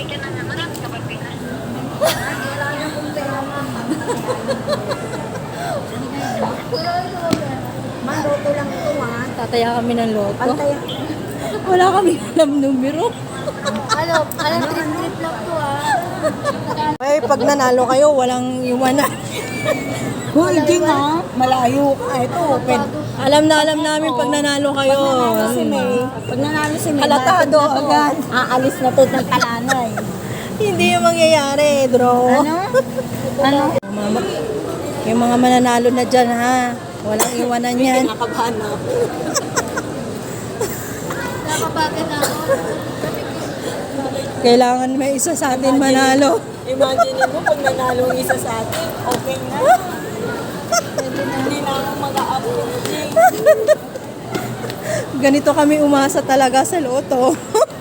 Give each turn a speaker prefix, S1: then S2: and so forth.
S1: ka na nga, marami ka ba Pinas?
S2: Wala na kung pera, mama. Maluto lang ito, ha?
S3: Tataya kami ng loto.
S2: Pantay.
S3: Wala kami alam numero.
S2: Trip lang to, ha?
S3: Ay, pag nanalo kayo, walang iwanan.
S4: Hindi nga, malayo ka. Ito, open.
S3: Alam namin pag nanalo kayo.
S4: Pag nanalo si May,
S3: Halatado
S4: bakit na to?
S3: agad.
S4: Aalis na to ng talanay.
S3: Hindi yung mangyayari, draw.
S4: Ano?
S3: Yung mga mananalo na dyan, ha? Walang iwanan yan.
S4: Kinakabahan na ako.
S2: Nakabagan na ako.
S3: Kailangan may isa sa atin manalo.
S4: Imagine mo pag nanalo ang isa sa atin, okay na. Hindi na ako mag-a-upload.
S3: Ganito kami umasa talaga sa loto.